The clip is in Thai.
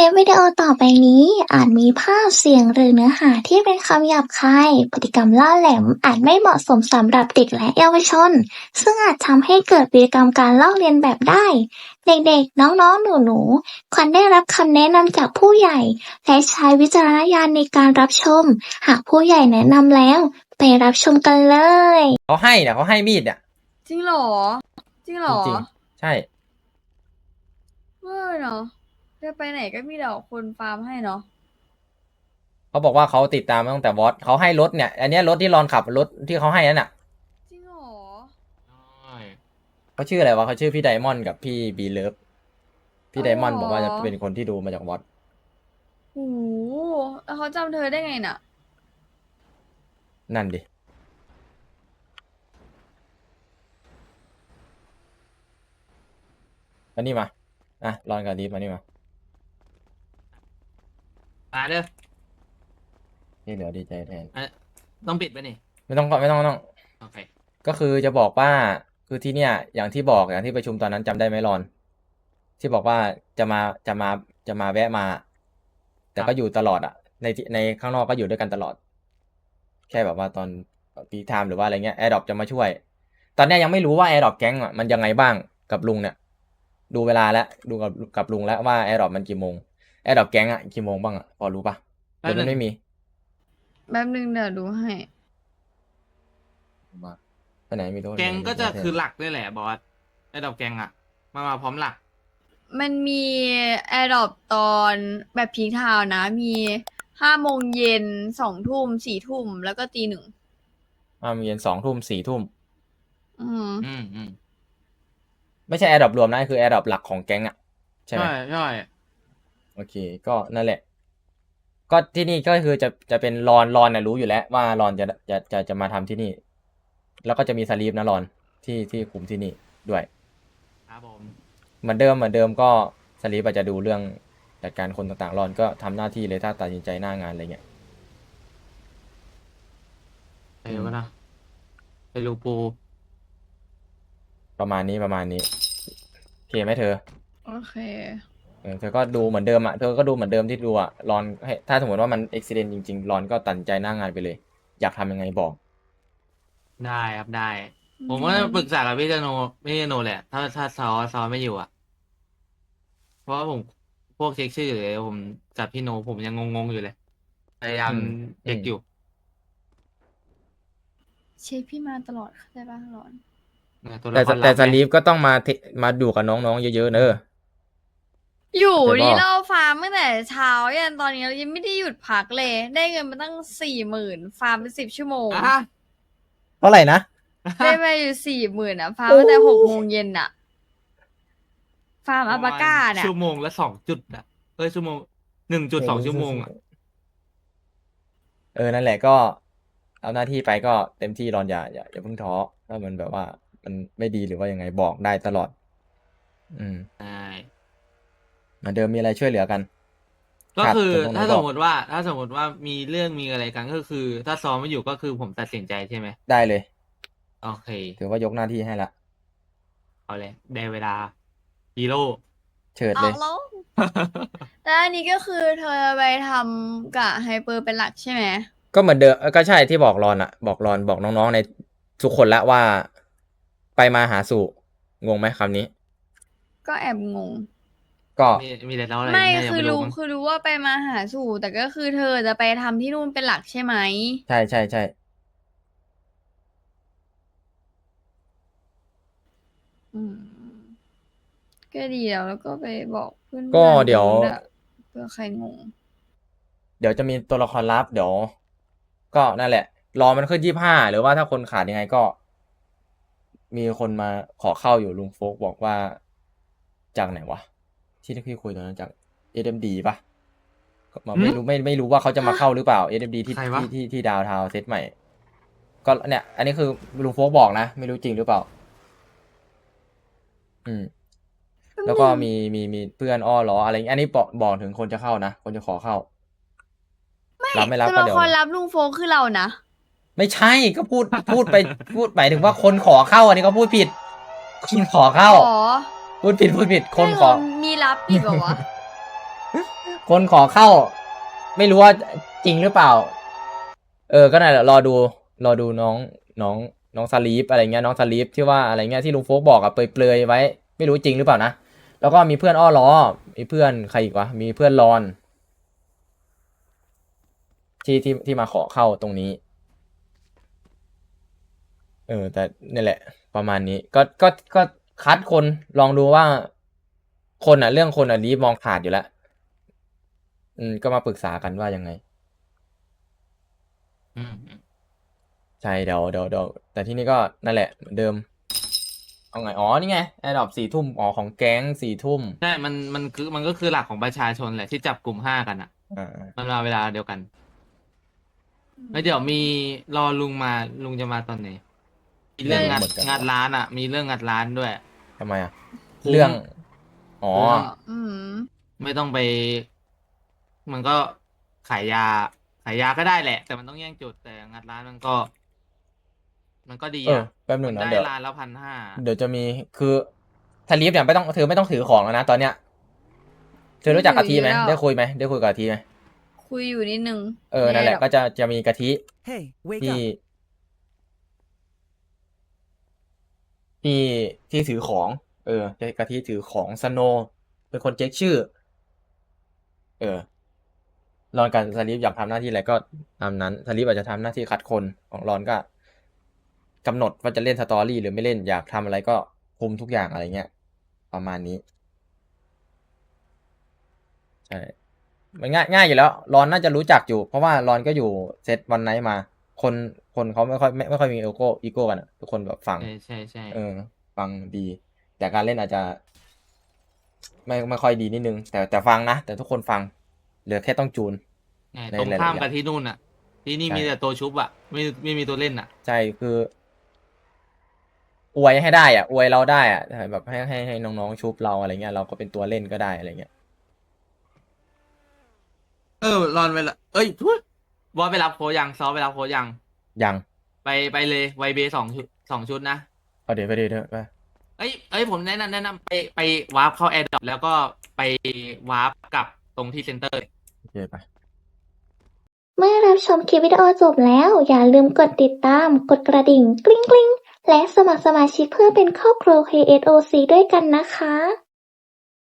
ลิปวิดีโอต่อไปนี้อาจมีภาพเสียงหรือเนื้อหาที่เป็นคำหยาบคายพฤติกรรมล่าแหลมอาจไม่เหมาะสมสำหรับเด็กและเยาวชนซึ่งอาจทำให้เกิดพฤติกรรมการลอกเลียนแบบได้เด็กๆน้องๆหนูๆควรได้รับคำแนะนำจากผู้ใหญ่และใช้วิจารณญาณในการรับชมหากผู้ใหญ่แนะนำแล้วไปรับชมกันเลยเขาให้เนี่ยเขาให้มีดเนี่ยจริงเหรอจริงเหรอจริงๆใช่เว้ยเนาะจะไปไหนก็มีแต่คนฟาร์มให้เนาะเขาบอกว่าเขาติดตามมาตั้งแต่วอตเขาให้รถเนี่ยอันเนี้ยรถที่รอนขับรถที่เขาให้นั่นน่ะจริงเหรอเขาชื่ออะไรวะเขาชื่อพี่ไดมอนด์กับพี่บีเลิฟพี่ไดมอนด์บอกว่าจะเป็นคนที่ดูมาจากวอตโอ้โหแล้วเขาจำเธอได้ไงน่ะนั่นดิมานี่มาอ่ะรอนกับดีฟมานี่มาเด้อที่เหลือดีใจแทนต้องปิดไปนี่ไม่ต้องโอเคก็คือจะบอกว่าคือที่เนี่ยอย่างที่บอกอย่างที่ประชุมตอนนั้นจำได้ไหมรอนที่บอกว่าจะมาแวะมาแต่ก็อยู่ตลอดอ่ะในข้างนอกก็อยู่ด้วยกันตลอดแค่แบบว่าตอนปีไทม์หรือว่าอะไรเงี้ยแอร์ดรอปจะมาช่วยตอนนี้ยังไม่รู้ว่าแอร์ดรอปแก๊งอ่ะมันยังไงบ้างกับลุงเนี่ยดูเวลาแล้วดูกับลุงแล้วว่าแอร์ดรอปมันกี่โมงแอร์ดรอปแก๊งอ่ะกี่โมงบ้างอ่ะพอรู้ปะหรือมันไม่มีแป๊บนึงเดี๋ยวดูให้มาไปไหนมีตัวแกงก็จะคือหลักด้วยแหละบอสไอ้ดอกแกงอ่ะมาพร้อมหลักมันมีแอร์ดรอปตอนแบบพีคไทม์นะมี5 โมงเย็น2 ทุ่ม4 ทุ่มแล้วก็ตี 1 มีเย็น2 ทุ่ม4 ทุ่มอืมไม่ใช่แอร์ดรอปรวมนะคือแอร์ดรอปหลักของแก๊งอ่ะใช่ไหมใช่โอเคก็นั่นแหละก็ที่นี่ก็คือจะเป็นรอนนะรู้อยู่แล้วว่ารอนจะมาทำที่นี่แล้วก็จะมีสลีปนะรอนที่คุมที่นี่ด้วยครับผมเหมือนเดิมก็สลีปอาจจะดูเรื่องจัดการคนต่างๆรอนก็ทำหน้าที่เลยถ้าตัดสินใจหน้างานอะไรเงี้ยไปดูกันนะไปดูปูประมาณนี้โอเคไหมเธอโอเคเธอก็ดูเหมือนเดิมอ่ะเธอก็ดูเหมือนเดิมที่ดูอ่ะรอนให้ถ้าสมมติว่ามันอุบิเหตุจริงๆรอนก็ตัดสินใจหน้างานไปเลยอยากทำยังไงบอกได้ครับได้ผมก็ปรึกษากับพี่โนแหละถ้าซอไม่อยู่อ่ะเพราะว่าผมพวกเช็คชื่อเลยผมกับพี่โนผมยังงงอยู่เลยพยายามเช็คอยู่เช็คพี่มาตลอดเข้าใจป่ะหลอนแต่สลีปก็ต้องมาดูกับน้องๆเยอะๆเนอะอยู่นี่เราฟาร์มตั้งแต่เช้ายันตอนนี้เรายังไม่ได้หยุดพักเลยได้เงินมาตั้ง40,000ฟาร์มไป10 ชั่วโมงเท่าไหร่นะได้ไปอยู่40,000อ่ะฟาร์มตั้งแต่6 โมงเย็นอ่ะฟาร์มอัลปาก้าเนี่ยชั่วโมงละ2 จุดอ่ะชั่วโมง1.2 ชั่วโมงอ่ะนั่นแหละก็เอาหน้าที่ไปก็เต็มที่รอนอย่าเพิ่งท้อถ้ามันแบบว่ามันไม่ดีหรือว่ายังไงบอกได้ตลอดใช่เหมือนเดิมมีอะไรช่วยเหลือกันก็คือถ้าสมมติว่ามีเรื่องมีอะไรกันก็คือ ถ้าซ้อมไม่อยู่ก็คือผมตัดสินใจใช่ไหมได้เลยโอเคถือว่ายกหน้าที่ให้ละเอาเลยได้เวลาฮีโร่เฉิดเลยแล้วแล้วอันนี้ก็คือเธอไปทำกับไฮเปอร์เป็นหลักใช่ไหมก็เหมือนเดิมก็ใช่ที่บอกรอนอะบอกน้องๆในทุกคนละว่าไปมาหาสู่งงไหมคำนี้ก็แอบงงก็มีแต่เราอะไรไม่คือรู้ว่าไปมาหาสู่แต่ก็คือเธอจะไปทำที่นู่นเป็นหลักใช่ไหมใช่ก็ดีแล้วก็ไปบอกเพื่อนก็เดี๋ยวเพื่อใครงงเดี๋ยวจะมีตัวละครลับเดี๋ยวก็นั่นแหละรอมันขึ้น25หรือว่าถ้าคนขาดยังไงก็มีคนมาขอเข้าอยู่ลุงโฟกบอกว่าจากไหนวะที่พี่คุยตอนนั้นจาก SMD ป่ะไม่รู้ว่าเขาจะมาเข้าหรือเปล่า SMD ที่ดาวทาวเซตใหม่ก็เนี่ยอันนี้คือลุงโฟกบอกนะไม่รู้จริงหรือเปล่าแล้วก็มีเพื่อนอ้อล้ออะไรอันนี้บอกถึงคนจะเข้านะคนจะขอเข้ารับไม่รับก็เดี๋ยวคนรับลุงโฟคือเรานะไม่ใช่ก็พูดหมายถึงว่าคนขอเข้าอันนี้ก็พูดผิดคนขอเข้าพูดผิดคนขอมีรับอีกเหรอวะคนขอเข้า ไม่รู้ว่าจริงหรือเปล่า ก็นั่นแหละรอดูน้องสลีปอะไรเงี้ยน้องสลีปที่ว่าอะไรเงี้ยที่ลุงโฟกบอกอะเปรยๆไว้ ไม่รู้จริงหรือเปล่านะแล้วก็มีเพื่อนอ้อล้อมีเพื่อนใครอีกวะมีเพื่อนรอน ที่มาขอเข้าตรงนี้ แต่นี่แหละ ประมาณนี้ ก็คัดคนลองดูว่าคนเรื่องคนลีฟมองขาดอยู่แล้วก็มาปรึกษากันว่ายังไงอืมใช่เดี๋ยวแต่ที่นี่ก็นั่นแหละเหมือนเดิม เอาไงอ๋อนี่ไงแอร์ดรอป4 ทุ่มอ๋อของแก๊ง4 ทุ่มใช่มันก็คือหลักของประชาชนแหละที่จับกลุ่ม5กันอ่ะ มันมาเวลาเดียวกันแล้วเดี๋ยวมีรอลุงมาลุงจะมาตอนไหนมีเรื่องงัดร้านอ่ะ มีเรื่องงัดร้านด้วยทำไมอ่ะคุ้มเรื่อง อ๋ออืมไม่ต้องไป มันก็ขายยาก็ได้แหละ แต่มันต้องแย่งจุดแต่งัดร้านมันก็ดีอ่ะแป๊บหนึ่งมันนะได้เดี๋ยวร้านละ1,500 เดี๋ยวจะมีคือทาลีฟเนี่ยไม่ต้องถือของแล้วนะตอนเนี้ยเธอรู้จักกะทิไหมไม่ถือแล้วได้คุยกับกะทิไหมคุยอยู่นิดนึงนั่นแหละม่ก็จะมีกะทิ Hey, wake ที่ up. ที่ถือของกะทิถือของสโนเป็นคนเช็คชื่อรอนกับสลีฟอยากทำหน้าที่อะไรก็ตามนั้นสลีฟอาจจะทำหน้าที่คัดคนของรอนก็กำหนดว่าจะเล่นสตอรี่หรือไม่เล่นอยากทำอะไรก็คุมทุกอย่างอะไรเงี้ยประมาณนี้ใช่มันง่ายอยู่แล้วรอนน่าจะรู้จักอยู่ เพราะว่ารอนก็อยู่เซตวันไนท์มา คนเขาไม่ค่อยมีอีโก้กันอะทุกคนแบบฟังใช่ฟังดี แต่การเล่นอาจจะไม่ค่อยดีนิดนึง แต่ฟังนะ แต่ทุกคนฟัง เหลือแค่ต้องจูน ในตรงหลายๆข้ามอย่างกับที่นู่นอ่ะ ที่นี่ใช่มีแต่ตัวชุบอ่ะ ไม่มีตัวเล่นอ่ะใช่คืออวยให้ได้อวยเราได้แบบให้น้องๆชุบเราอะไรเงี้ยเราก็เป็นตัวเล่นก็ได้อะไรเงี้ยรอนเวลาทุยบอสไปรับโค้ชยังซอไปรับโค้ชยังยังไปเลยไวเบ2 ชุดนะเอาเดี๋ยวไปผมแนะนำไปวาร์ปเข้าแอร์ดรอปแล้วก็ไปวาร์ปกลับตรงที่เซ็นเตอร์โอเคไปเมื่อรับชมคลิปวิดีโอจบแล้ว อย่าลืมกดติดตาม กดกระดิ่งกริ๊งๆ และสมัครสมาชิกเพื่อเป็นครอบครัว KSOC ด้วยกันนะคะ